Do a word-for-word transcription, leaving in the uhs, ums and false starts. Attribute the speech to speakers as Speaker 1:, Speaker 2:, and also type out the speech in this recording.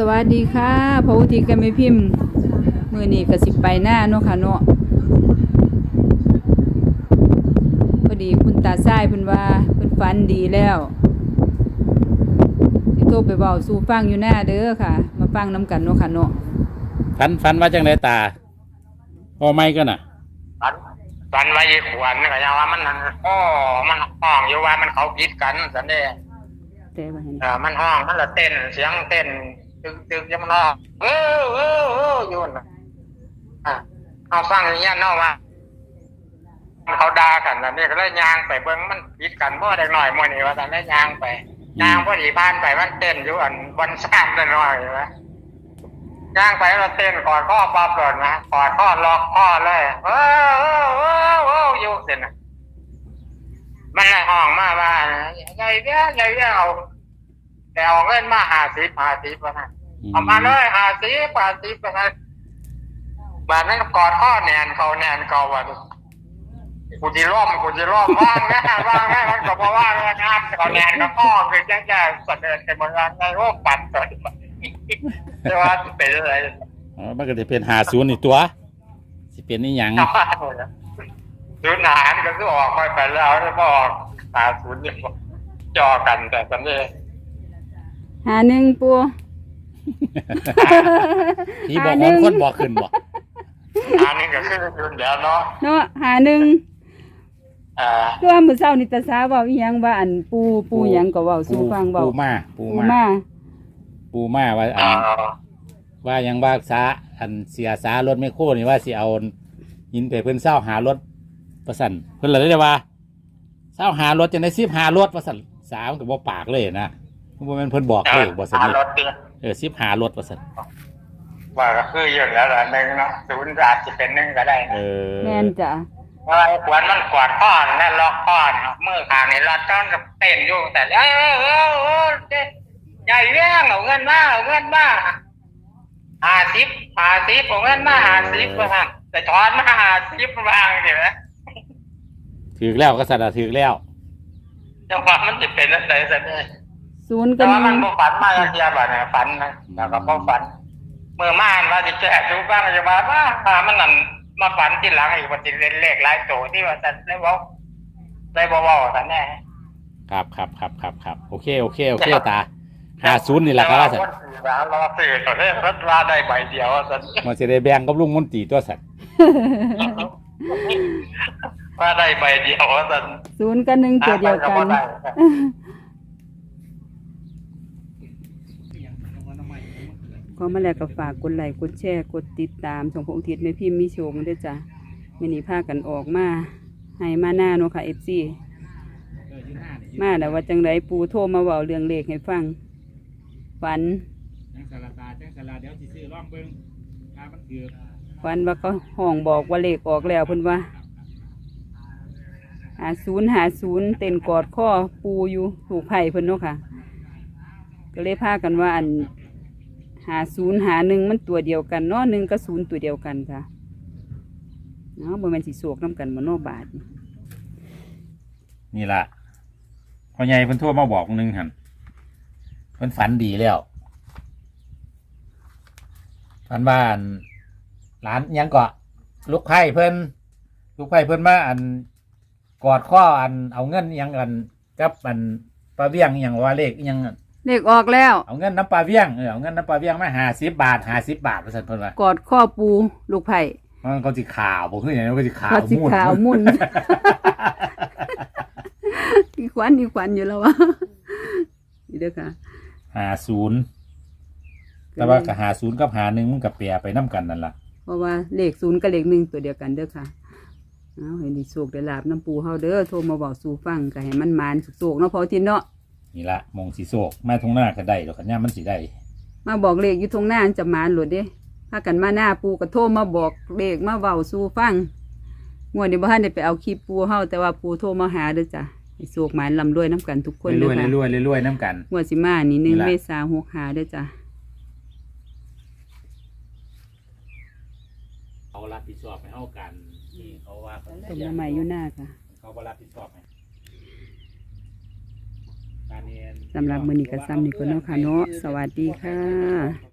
Speaker 1: วัสดีค่ะพระอุทิศกันไม่พิมพ์มือนี่กระสิบไปหน้าเนาะค่ะเนาะพอดีคุณตาทรายเพิ่นว่าเพิ่นฝันดีแล้วสิโทรไปเว้าสู่ฟังอยู่หน้าเด้อค่ะมาฟังน้ำกันเนาะค่ะเนาะ
Speaker 2: ฝันฝันว่าจังไดตาพอไม่ก็น่ะ
Speaker 3: ฝันฝันว่าอีขวัญก็ยังว่ามันอ้อมันห้องอยู่ว่ามันเขาคิดกันสันเด้
Speaker 1: แต่ว่าเห็น
Speaker 3: เออมันห้องมันละเต้นเสียงเต้นตึกตึกยังมันห้องเออเออเอออยู่น่ะอ่ะเอาฟังอย่างนี้เนาะว่าเขาด่ากันสันเด้ก็เลยยางไปเบิ่งมันคิดกันบ่ได้หน่อยมื้อนี้ว่าสันได้ยางไปยางพอดีผ่านไปมันเต้นอยู่อันบนซ่านได้หน่อยว่าย่างไปเราเต้นกอดข้อปลาปลดนะกอดข้อล็อกข้อเลยเออเออเออเอออยู่เสร็จนะมันเลยห้องมาว่าใหญ่เบี้ยใหญ่เบี้ยเอาแต่เอาเงินมาหาสิบหาสิบวะนะเอามาเลยหาสิบหาสิบวะนะบ้านนั้นกอดข้อแนนเขาแนนเขาวะกูจะร่มกูจะร่มว่างแม่ว่างแม่มันก็บอกว่างนะครับเขาแนนกับข้อคือแจ้งแจ้งเสนอในเมืองในโลกปัดเกิดแต่ว่าเป็นอะไร
Speaker 2: อ๋อมันก็จะเป็นหาศูนย์นี่ตัวสิเป็นนี่หยัง
Speaker 3: ศูนย์หารก็คือออกไปไปแล้วแล้วก็ออกหาศูนย์นี่จอกันแต่สำเร็จ
Speaker 1: หาหนึ่งปู
Speaker 2: ที่บอกคนคนบอกขึ้นบอก
Speaker 3: หาหนึ่งก็คือศูนย์เดียวเนาะ
Speaker 1: เนาะหาหนึ่ง
Speaker 3: อ่า
Speaker 1: ตัวมื้อเช้านี่ตาสาเว้าอีหยังว่าอันปูปูหยังก็เว้าสู่ฟังเว้า
Speaker 2: ปูมาปูมาปูมาว่าอันว่ายังว่าสาอันเสียสารถไม่โค่นี่ว่าสิเอาหินไปเพิ่นเศร้าหารถประสันเพิ่นเลยได้ว่าเศร้าหารถจะได้สิบหารถประสันสามกับบ่ปากเลยนะเพิ่นเพิ่นบอกเลยบ่สันเออสิบหารถประสัน
Speaker 3: ว่าก็คืออยู่แล้วละหนึ่งเนาะศูนย์อาจจะเป็นหนึ่งก็ได้
Speaker 2: เออ
Speaker 1: แม่นจ้ะ
Speaker 3: ว่าขวัญมันกวาดข้อนั่นล็อกข้อมือขางนี่รัดต้นกับเต้นอยู่แต่เออเออเออใหญ่เรื่องเอาเงินมาเอาเงินมาหาสิบหาสิบเอาเงินมาหาสิบมาแต่ถอนมาหาสิบวางเห็นไหม
Speaker 2: ถือแล้วก็สัตว์ถือแล้ว
Speaker 3: จังหวะมันจะเป็นอะไรสักเลย
Speaker 1: ศูนย์
Speaker 3: กันแต่ว่ามันบ่ฝันมาเทียบอ่ะเนี่ยฝันนะแล้วก็บ่ฝันเมื่อม่านว่าจะแจกดูบ้างจะมาว่าพามันนั่นมาฝันที่หลังอีกว่าจะเล่นเลขหลายโตที่ว่าจะได้บอกได้บอกว่าแต่แน่
Speaker 2: ครับครับครับครับครับโอเคโอเคโอเคตาหาศูนย์นี่แหละครับสัตว์
Speaker 3: รอสื่อตัวเลขรถราได้ใบเดียวสัตว์
Speaker 2: มันจะได้แบ่งกับลุงมนตรีตัวสัตว์
Speaker 3: ว่าได้ใบเดียวสัตว์
Speaker 1: ศูนย์กับหนึ่งตัวเดียวกันก็มาแล้วก็ฝากกดไลค์กดแชร์กดติดตามช่องพระอุทิศแม่พิมพ์มีโชคด้วยจ้ะมื้อนี้พากันออกมาให้มาหน้าเนาะค่ะ เอฟ ซี มาแล้วว่าจังไดปูโทรมาเว้าเรื่องเลขให้ฟังฝัน
Speaker 2: จังสารตาจังสารเดี๋ยวสิซื้อร่องเบิ่งถ้ามันถือ
Speaker 1: ฝันว่าเขาห้องบอกว่าเลขออกแล้วเพิ่นว่าหาศูนย์หาศูนย์เต้นกอดข้อปูอยู่ถูกไผ่เพิ่นเนาะค่ะก็เลยพากันว่าอันหาศูนย์หาหนึ่งมันตัวเดียวกันเนาะหนึ่งกับศูนย์ตัวเดียวกันค่ะเนาะบ่แม่นสิโศกน้ำกันบ่เนาะบาท
Speaker 2: นี่ล่ะพ่อใหญ่เพิ่นโทรมาบอกนึงหั่นเพิ่นฝันดีแล้วฝันว่าร้านยังเกาะลูกไผ่เพิ่นลูกไผ่เพิ่นมาอันกอดข้ออันเอาเงินยังกันกับอันปลาเบี้ยงยังว่าเลขยัง
Speaker 1: เลขออกแล้ว
Speaker 2: เอาเงินน้ำปลาเบี้ยงเออเอาเงินน้ำปลาเบี้ยงมาห้าสิบบาทห้าสิบบาทเปอร์เซ็นต์เพิ่นว่าก
Speaker 1: อดข้อปูลูกไผ่
Speaker 2: มันก็สิขาวบ่คือหยังมันก็สิขาว
Speaker 1: มุ่นขาวมุ่นอีขวัญอีขวัญอยู่แล้ววะนี่เด้อค่ะ
Speaker 2: ห้าศูนย์แต่ว่ากับห้าศูนย์กับห้าหนึ่งมันกับแปรไปน้ำกันนั่นล่ะ
Speaker 1: เพราะว่าเลขศูนย์กับเลขหนึ่งตัวเดียวกันเด้อค่ะเอาให้ดีโชคได้ลาบน้ำปูเฮาเด้อโทรมาบอกสู่ฟังก็ให้มันมานสุกๆเนาะพอทินเนาะ
Speaker 2: นี่ละมงสีโศกมาทงหน้าก็ได้หรอกขันย่ามันสีได้
Speaker 1: มาบอกเลขอยู่ทงหน้าจะมานหลุดเด้พากันมาหน้าปูก็โทรมาบอกเลขมาเว้าสู่ฟังงวดนี้บ่ทันได้ไปเอาคลิปปูเฮาแต่ว่าปูโทรมาหาเด้อจ้ะให้โชคหมานลำรวยน้ำกันทุกคน
Speaker 2: เด้อค่ะรวยๆรวยๆน้ำกัน
Speaker 1: งวดสิมานี่หนึ่งเมษายนหกห้าเด้อจ้ะ
Speaker 2: เขารับผิดชอบให้เฮากันนี่เขาว่า
Speaker 1: ต้มใหม่อยู่หน้าค่ะ
Speaker 2: เขาบ่รับผิดชอบให้
Speaker 1: สำหรับมื้อนี้ก็ซ้ำนี่ก็เนาะค่ะเนาะสวัสดีค่ะ